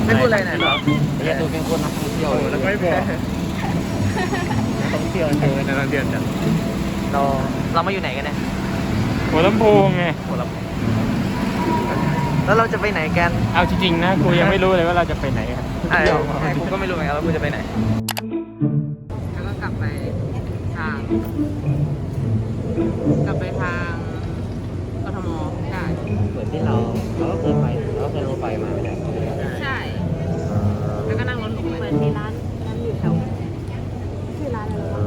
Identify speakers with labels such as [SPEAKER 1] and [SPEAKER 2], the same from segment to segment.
[SPEAKER 1] ไม่พูดอะไรหน่อยหรอ
[SPEAKER 2] เรียนดูเป็นคนนักท่องเที่ยวแล้วไม่บอกท่องเที่ยวเจอนักท่องเที่ยวจัด
[SPEAKER 1] เรามาอยู่ไหนกันเนี่ย
[SPEAKER 2] หัวลำโพงไง
[SPEAKER 1] แล้วเราจะไปไหนกัน
[SPEAKER 2] เอาจริงๆนะกูยังไม่รู้เลยว่าเราจะไปไหนกัน
[SPEAKER 1] กูก็ไม่รู้เหมือนกันว่ากูจะไปไหนแล้วก็กลับไปทางกทมได้
[SPEAKER 2] เหมือนที่เราก็เคยไปเราก็เคยรถไฟมาไม่ได้
[SPEAKER 1] ใช่แล้วก็นั่งรถหลง
[SPEAKER 3] เหมือนมีร้านอยู่แถวชื่อร้านอะไรวะ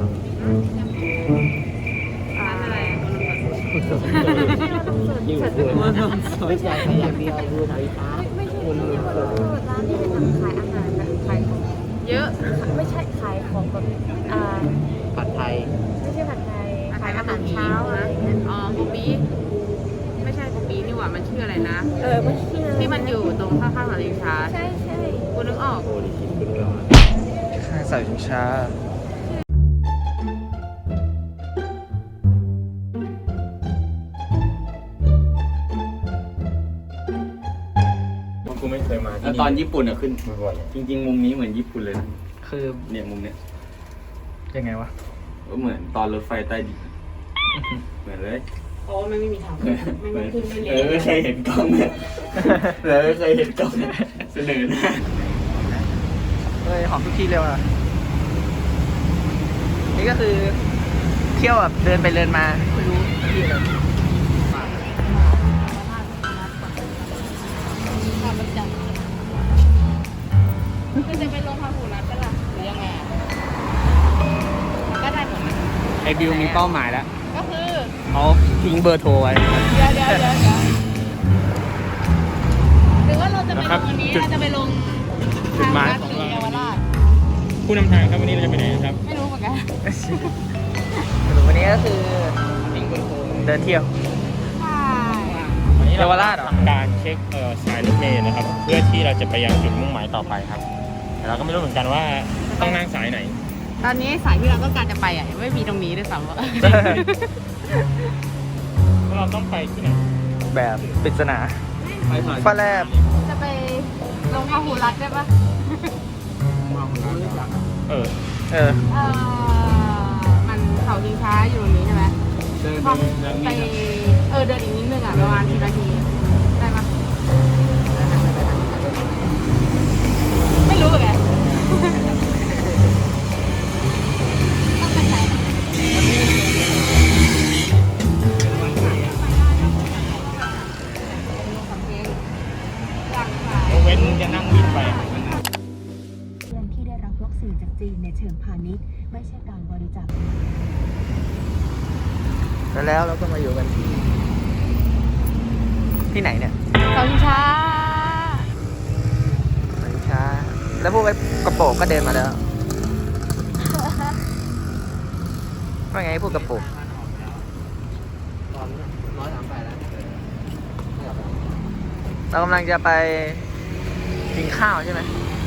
[SPEAKER 1] ร้านอะไร
[SPEAKER 2] ยิ่งเกินไม่ใช่แค่อย่างเดียวดูไฟฟ้า
[SPEAKER 3] ไม่ใช่ที่นี่มันร้านที่เป็นแบบขายอาหารแบบขายของ
[SPEAKER 1] เยอะ
[SPEAKER 3] ไม่ใช่ขายของแบบ
[SPEAKER 2] ผัดไทย
[SPEAKER 3] ไม่ใช่ผัดไทยขายอาหารเช้าอะไรอย่างเงี้ย
[SPEAKER 1] อ๋อป๊อปปี้ไม่ใช่ป๊อปปี้นี่หว่ามันชื่ออะไรนะ
[SPEAKER 3] มันชื่อ
[SPEAKER 1] ที่มันอยู่ตรงข้างๆสถานีช้า
[SPEAKER 3] ใช่ใช่
[SPEAKER 1] กูนึกออก
[SPEAKER 2] โอ้ดิคิดขึ้นมา
[SPEAKER 1] ข้างสายช้า
[SPEAKER 2] กูไม่เคยมาแล้วตอนญี่ปุ่นอะขึ้นบ่อยจริงๆมุมนี้เหมือนญี่ปุ่นเลยนะ
[SPEAKER 1] คือ
[SPEAKER 2] เนี่ยมุมเนี้ย
[SPEAKER 1] ยังไงวะ
[SPEAKER 2] ก็เหมือนตอนรถไฟใต้ดินเหมือนเลย
[SPEAKER 3] เพราะว่ามันไม่มีทางไม่ขึ้นไม่
[SPEAKER 2] ไม่เคยเห็นกล้องเนี่ยไม่เคยเห็นกล้องเสนอหน้า
[SPEAKER 1] เฮ้ยหอมทุกที่เลยว่ะนี่ก็คือเที่ยวแบบเดินไปเดินมาไม่รู้ที่อะไร
[SPEAKER 3] คือจะไปลงพาหูรัดก็ล่ะหรือยังไงก็ได้หมด
[SPEAKER 2] ไอบิวมีเป้าหมายแล้ว
[SPEAKER 3] ก็คือ
[SPEAKER 2] เขาทิ้งเบอร์โทรไว้
[SPEAKER 3] เดี๋ยวหรือว่าเราจะไปลงวันนี้เราจะไปลง
[SPEAKER 2] จุดหมายของเรา
[SPEAKER 3] เยาวราช
[SPEAKER 2] ผู้นำทางครับวันนี้เราจะไปไหนครับ
[SPEAKER 3] ไม่รู้เหมือนกัน
[SPEAKER 1] สรุปวันนี้ก็คือ
[SPEAKER 2] ทิ้งเบอร์โทร
[SPEAKER 1] เดินเที่ยว
[SPEAKER 3] ใช่
[SPEAKER 2] วันนี้
[SPEAKER 1] เยาวราชเหรอ
[SPEAKER 2] ทำการเช็คสายรถเมล์นะครับ เพื่อที่เราจะไปยังจุดมุ่งหมายต่อไปครับ แต่เราก็ไม่รู้เหมือนกันว่าต้องนั่งสายไหน
[SPEAKER 3] ตอนนี้สายที่เราต้องการจะไปอ่ะยังไม่มีตรงนี้ด้วยซ้ำว่า
[SPEAKER 2] เราต้องไปที่ไหน
[SPEAKER 1] แบบปริศนา
[SPEAKER 2] ไปสาย
[SPEAKER 1] ฟ้าแลบ
[SPEAKER 3] จะไปลงพาหูรัดได้ปะ
[SPEAKER 2] เออ
[SPEAKER 3] มันเขาชิงช้าอยู่ตรงนี้ใช่ไหม
[SPEAKER 2] เดิน
[SPEAKER 3] พอ
[SPEAKER 2] เดิน
[SPEAKER 3] ไป
[SPEAKER 2] นี่
[SPEAKER 3] เดินอีกนิดนึงอ่ะประมาณ10 นาทีได้ปะไม่รู้เหมือนกันต้องไปไหน
[SPEAKER 2] เว้นจะนั่งวินไป
[SPEAKER 4] เงินที่ได้รับวัคซีนจากจีนในเชิงพาณิชย์ไม่ใช่การบริจาค
[SPEAKER 1] แล้วเราก็มาอยู่กันที่ไหนเนี่ย
[SPEAKER 3] เขาชิงช้า
[SPEAKER 1] ช้า แล้วพวกไอ้กระโปรงก็เดินมาแล้วว่าไงพวกกระโปรงเรากำลังจะไปกินข้าวใช่ไหม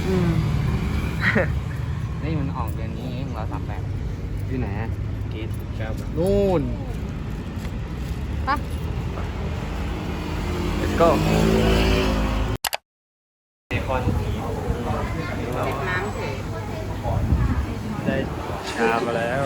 [SPEAKER 2] นี่มันออกเดือนนี้เอง138ที่ไหนกีดครับนู่น
[SPEAKER 1] let's go
[SPEAKER 2] คอน
[SPEAKER 3] ติดน้ำเฉย
[SPEAKER 2] ได้ชามาแล้ว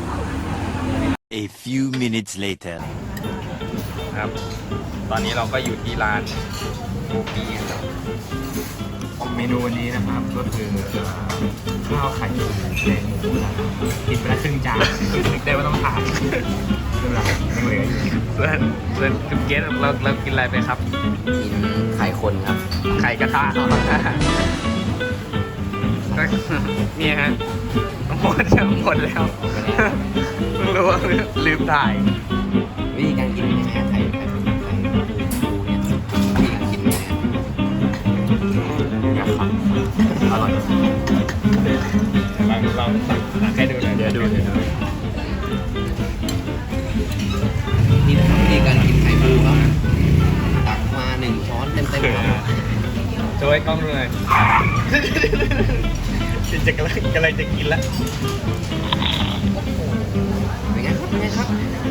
[SPEAKER 5] A few minutes later.
[SPEAKER 2] ครับ ตอนนี้เราก็อยู่ที่ร้านโกปีครับเมนูวันนี้นะครับก็คือข้าวไข่แดงหมูนะครับกินไปแล้วครึ่งจานนึกได้ว่าต้องทานไม่เป็นไรยังเหลืออยู่
[SPEAKER 1] เพื่อนคุณเกสเรากินอะไรไปครับ
[SPEAKER 2] กินไข่คนครับ
[SPEAKER 1] ไข่กระทะเนี่ยฮะหมดแล้วเพิ่งรู้ว่าลืมถ่าย
[SPEAKER 2] วิธีการกินยังไงไข่ปูเนี่ยวิธีการกินยังไงนะครับอร่อยลองตักให้ดูหน่อยเดี๋ยวดูนี่นะครับวิธีการกินไข่ปูครับตักมา1 ช้อนเต็มครับโชว์ให้กล้องดูหน่อยจะกำลังจะกินแล้วเป็นไงครับ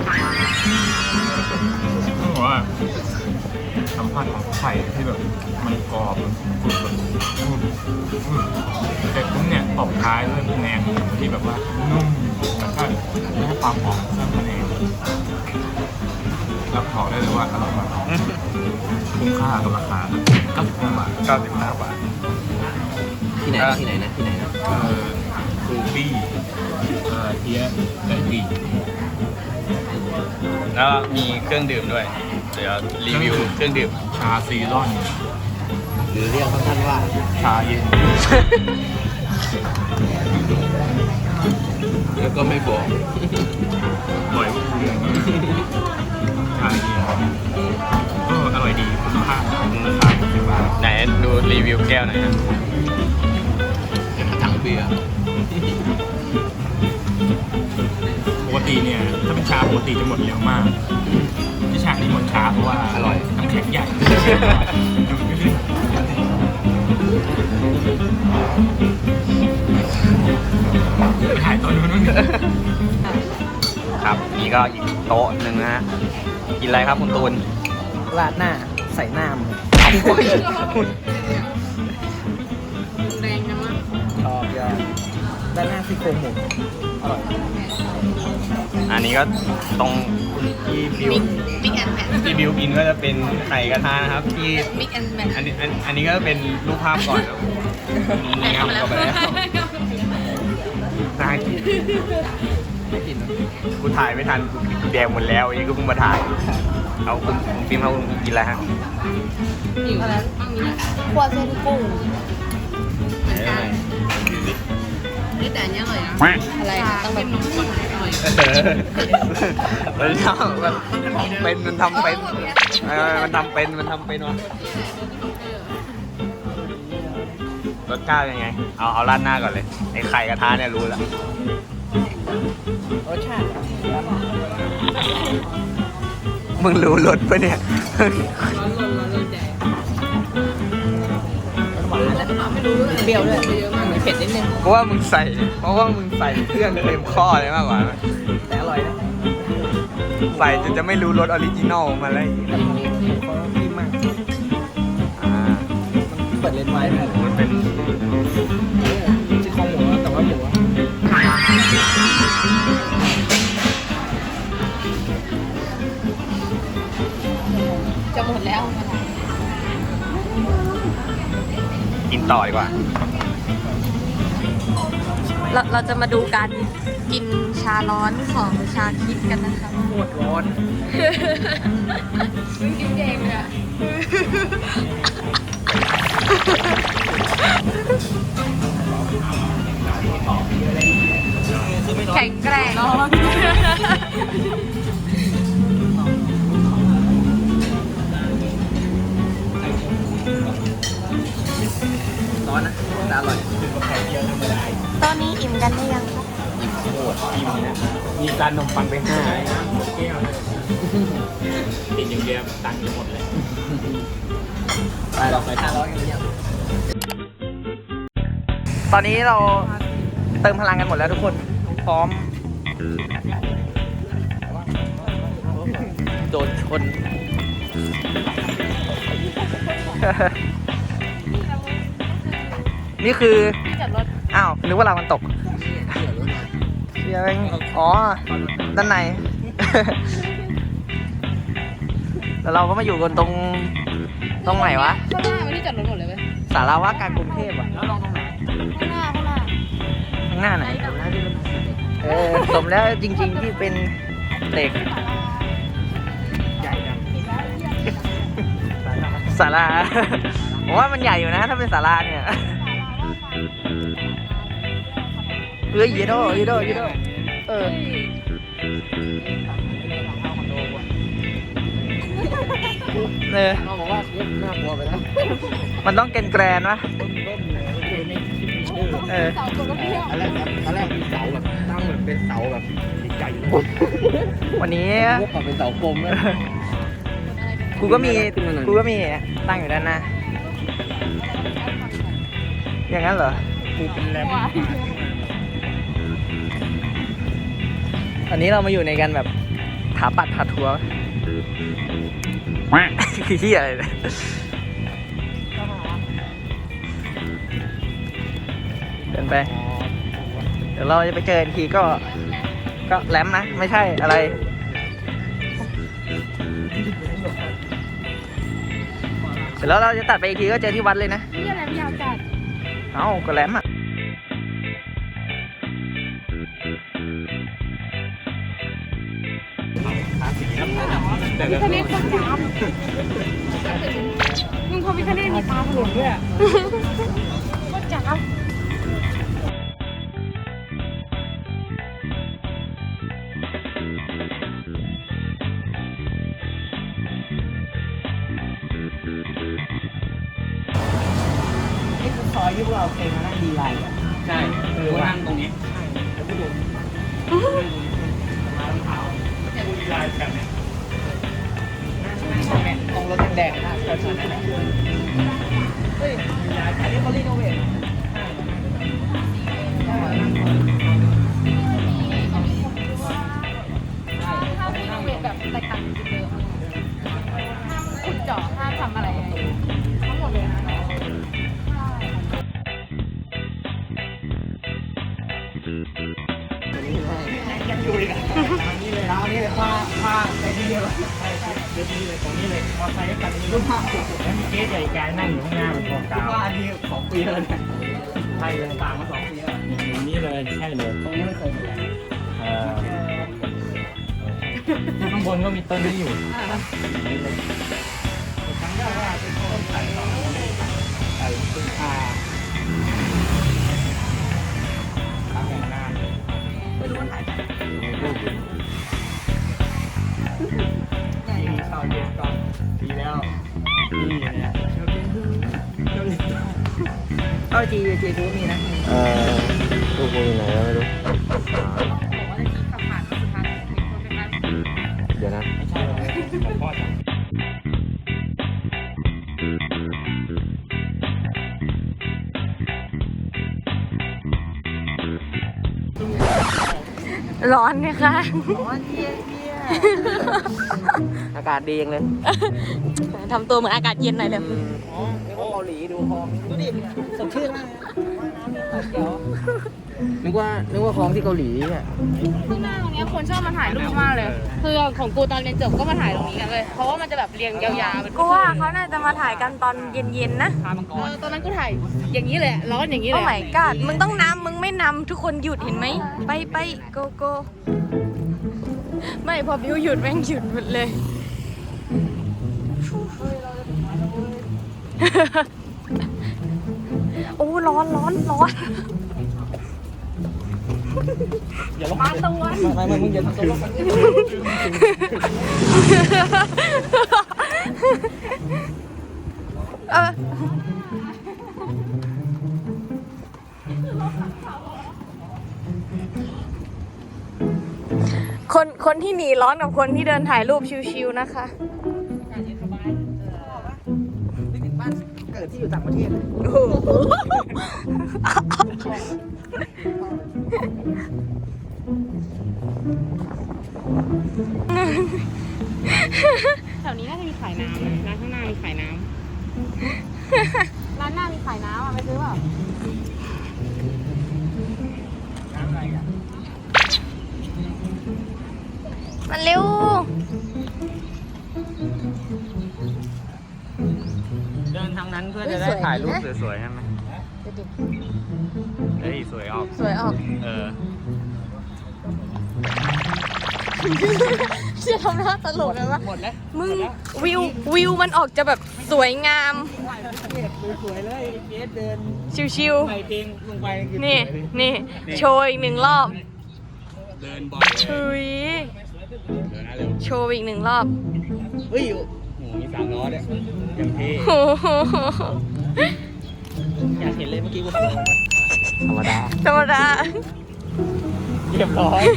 [SPEAKER 2] ต้องบอกว่าสัมผัสของไข่ที่แบบมันกรอบมันกรุบเสร็จปุ๊บเนี่ยตบท้ายด้วยแหนมหมูที่แบบว่านุ่มแล้วก็ให้ความหอมเครื่องแหนมรับบอกได้เลยว่าอร่อยมากคุ้มค่ากับราคา95 บาท
[SPEAKER 1] 95 บาท
[SPEAKER 6] ที่ไหนที่ไหนนะที่ไหนนะ
[SPEAKER 2] รูบี้เฮียไก่ปี
[SPEAKER 1] แล้วมีเครื่องดื่มด้วย เดี๋ยวรีวิวเครื่องดื่ม
[SPEAKER 2] ชาซีรอน
[SPEAKER 6] หรือเรียกสั้นๆว่า
[SPEAKER 2] ชาเย็น
[SPEAKER 6] แล้วก็ไม่บอก
[SPEAKER 2] อร่อยเรื่องชาเย็นก็อร่อยดีคุณภาพราคา60 บาท
[SPEAKER 1] ไหนดูรีวิวแก้วหน่อยครับ
[SPEAKER 6] ถังเบียร์
[SPEAKER 2] ปกติเนี่ยถ้าเป็นชาปกติจะหมดเร็วมากที่ชาที่หมดช้าเพราะว่าอร่อยน้ำแข็งใหญ่ไปถ่ายตอนนู้น
[SPEAKER 1] ครับ นี่ก็อีกโต๊ะหนึ่งนะฮะ กินอะไรครับคุณตูน
[SPEAKER 6] ราดหน้าใส่น้ำ
[SPEAKER 3] แรงจังวะ
[SPEAKER 6] ชอบยอดด้านหน้าซี่โครงหมูอร่อย
[SPEAKER 1] อันนี้ก็ตรงที่บิว
[SPEAKER 3] มิกแอนแมท
[SPEAKER 1] ที่บิวกินก็จะเป็นไข่กระทะนะครับ ที่
[SPEAKER 3] มิกแอนแมท
[SPEAKER 1] อันนี้ก็เป็นรูปภาพก่อนครับนี่ครับก็ไปแล้วน่ากินกูถ่ายไม่ทันกูแดงหมดแล้วอันนี้ก็เพิ่งมาถ่ายเอาคุณฟิล์มเอาคุณกินอะไรฮะ
[SPEAKER 3] อยู่แล้วครัวเส้นกุ้งเหมือนกันนี่แต่อันนี้อร่อยนะอะไรต้องแบบข้นๆหน่อย
[SPEAKER 1] มันทำเป็นมันทำเป็นมันทำเป็นวะรสชาติเป็นไง เอาราดหน้าก่อนเลยไอ้ไข่กระทะเนี่ยรู้แล้ว
[SPEAKER 6] รสชาติ
[SPEAKER 1] มึงรู้รสปะเนี่ย
[SPEAKER 6] หวานนะเปรี้ยวด้วยมีเผ็ดนิดนึง
[SPEAKER 1] เพราะว่ามึงใส่เครื่องเต็มข้อเลยมากกว่า
[SPEAKER 6] แต่อร่อยนะ
[SPEAKER 1] ใส่จนจะไม่รู้รสออริจินอลมาเลย
[SPEAKER 6] เขาดีมากเปิดเลนส์ไว้ด้วย
[SPEAKER 1] มันเป็น
[SPEAKER 6] ซี่โครงหมูแต่ว่าหมู
[SPEAKER 3] จะหมดแล้ว
[SPEAKER 1] กินต่อดีกว่า
[SPEAKER 3] เราจะมาดูการกินชาร้อนของชาคิดกันนะคะ
[SPEAKER 6] โคตรร้อน
[SPEAKER 3] มึงกินเองเลยอะแข็งแกร่ง
[SPEAKER 6] ร้อนนะแต่อร่อย
[SPEAKER 3] ตอนนี้อิ่มกันได้ยังคะ
[SPEAKER 2] มีจานนมปังไป5แก้วเลยติดอย่างเดียวตังค์หมดเลย
[SPEAKER 6] ไปเราไป500กันหรือยัง
[SPEAKER 1] ตอนนี้เราเติมพลังกันหมดแล้วทุกคน พร้อม
[SPEAKER 6] โดนชน
[SPEAKER 1] นี่คือ
[SPEAKER 3] ที่จอดรถ
[SPEAKER 1] อ้าว นึกว่าเรามันตกเชียร์เองอ๋อ ด้านใน แล้วเราก็มาอยู่กันตรงไหนวะ
[SPEAKER 3] ข้างหน้ามันที่จอดรถหมดเลยเว้ย
[SPEAKER 1] สาราว่าการกรุงเทพอ่ะ
[SPEAKER 3] ข้างหน้า
[SPEAKER 1] ข้างหน้าไหน สมแล้วจริง ๆ ที่เป็นเด็กศาลา ผมว่ามันใหญ่อยู่นะ ถ้าเป็นศาลาเนี่ยเฮ้ยยีโดเออ
[SPEAKER 6] เขาบอกว่าน่ากลัวไปแล้ว
[SPEAKER 1] มันต้องแกรนๆวะเออ
[SPEAKER 6] ตอนแรกมีเสาแบบตั้งเหมือนเป็นเสาแบบใหญ่ๆ
[SPEAKER 1] วันนี้
[SPEAKER 6] พวกแบบเป็นเสากลมเลย
[SPEAKER 1] กูก็มีตั้งอยู่ด้านหน้า อย่างนั้นเหรอ
[SPEAKER 2] กูเป็นแรม
[SPEAKER 1] อันนี้เรามาอยู่ในกันแบบถาปัดพาทัวร์ คือที่อะไรเนี่ยไป เดี๋ยวเราจะไปเจออีกทีก็แหลมนะ ไม่ใช่อะไร เสร็จแล้วเราจะตัดไปอีกทีก็เจอที่วัดเลยนะ
[SPEAKER 3] นี่อะไรไม่ยาวจัด
[SPEAKER 1] เอ้าก็แหลมอ่ะ
[SPEAKER 3] พิคเนตคนจ้าบมึงพอพิคเนตมีตาถลนด้วยโคตรจ้าบ
[SPEAKER 1] นี่คือซอยที่พวกเราเคยมานั่งดีไลน์
[SPEAKER 2] ใช่คือนั่งตรงนี้
[SPEAKER 1] ตรงรถแดงๆนะแถวๆนั้นแหละเฮ้ยอันนี้เขารีโนเวท
[SPEAKER 3] ถ้ารีโนเวทแบบแตกต่างจากเดิมห้ามขุดเจาะห้ามทำอะไรทั้งหมดเลยนะ
[SPEAKER 1] ยังอยู่อีกอ่ะนี่เลยนะนี่เลยผ้าในที่เดียวเดี๋ยวนี้เลยตรงนี้เลยพอใช้กันรุ่นผ้าแล้วมีเก๊ใหญ่แกนั่งอยู่ข้างหน้าเป็นกองกาวผ้านี่2 ปีแล้วเนี่ยใช่เลยตามมา2 ปีแล้ว
[SPEAKER 2] อย่างนี้เลยใช่เลย
[SPEAKER 1] ตรงนี้ไม่เคยเหมือนกัน
[SPEAKER 2] ข้างบนก็มีต้นนี้อยู่
[SPEAKER 1] ครั้งแรกว่าเป็นต้นไผ่ต่อไผ่พึ่งพาทางแห่งนานไม่รู้ว่าถ่ายจากนี่ข่าวเย็นก่อนดีแล้วนี่เนี่ยเอาจีทูมีนะ
[SPEAKER 2] ลูกกูอยู่ไหนแล้วไม่รู้ เดี๋ยวนะ
[SPEAKER 1] ไม่ใช่หรอกผมพ่อจัง
[SPEAKER 3] ร้อนไหมคะ
[SPEAKER 1] อากาศดีจังเลย
[SPEAKER 3] ทำตัวเหมือนอากาศเย็นหน่อยเลย
[SPEAKER 1] อ๋อนึกว่าเกาหลีดูคลองดูดิสดชื่นมากนึกว่าคลองที่เกาหลีอ่ะ
[SPEAKER 3] ที่หน้าตรงนี้คนชอบมาถ่ายรูปมากเลย คือของกูตอนเรียนจบก็มาถ่ายตรงนี้กันเลย เพราะว่ามันจะแบบเรียงยาวๆเป็น
[SPEAKER 7] กูว่าเขาน่าจะมาถ่ายกันตอนเย็นๆนะ
[SPEAKER 3] ตอนนั้นกูถ่ายอย่างนี้เลยร้อนอย่างนี้เล
[SPEAKER 7] โอ้
[SPEAKER 3] ย
[SPEAKER 7] my god มึงต้องนำมึงไม่นำทุกคนหยุดเห็นไหม ไปโกโก้ไม่พอบิวหยุดแม่งหยุดหมดเลย โอ้ร้อน
[SPEAKER 1] อย่าลงมาตะวันไม่มึงอย่าทำตัวลงมา
[SPEAKER 7] เออคนที่หนีร้อนกับคนที่เดินถ่ายรูปชิวๆนะคะ
[SPEAKER 1] นึกถึงบ้านเกิดที่อยู่ต่างประเทศเลย
[SPEAKER 7] โอ้โห
[SPEAKER 3] แถวนี้น่าจะมีขายน้ำนะร้านข้างหน้ามีขายน้ำ ร้านหน้ามีขายน้ำอ่ะไปซื้อเปล่า
[SPEAKER 1] น้ำอะไรอ่ะ
[SPEAKER 7] มาเร็ว
[SPEAKER 2] เดินทางนั้นเพื่อจะได้ถ่ายรูปสวยๆใช่ไหมเฮ้ยสวยออก
[SPEAKER 7] สวยออก
[SPEAKER 2] เออ
[SPEAKER 7] เชื่อทำหน้าตลกเลยว่า
[SPEAKER 1] หมดแล้ว
[SPEAKER 7] มึงวิวมันออกจะแบบสวยงาม
[SPEAKER 1] สวยเลยเกสเดิน
[SPEAKER 7] ชิว
[SPEAKER 1] ใส่เพลงลงไปคือ
[SPEAKER 7] ๆ นี่
[SPEAKER 1] สวยเลย
[SPEAKER 7] นี่ โชว์อีกหนึ่งรอบ
[SPEAKER 2] เดินบ่อย
[SPEAKER 7] ชุย
[SPEAKER 2] เดินนะเร็ว
[SPEAKER 7] โชว์อีกหนึ่งรอบ
[SPEAKER 1] เฮ้ย
[SPEAKER 2] โอ้โหมี3 ล้อด้วยอย่างเท่
[SPEAKER 7] โอ้โห
[SPEAKER 1] อยากเห็นเลยเมื่อกี้กู
[SPEAKER 2] ธรรมดา
[SPEAKER 7] ธรรมดา
[SPEAKER 1] เรียบร้อย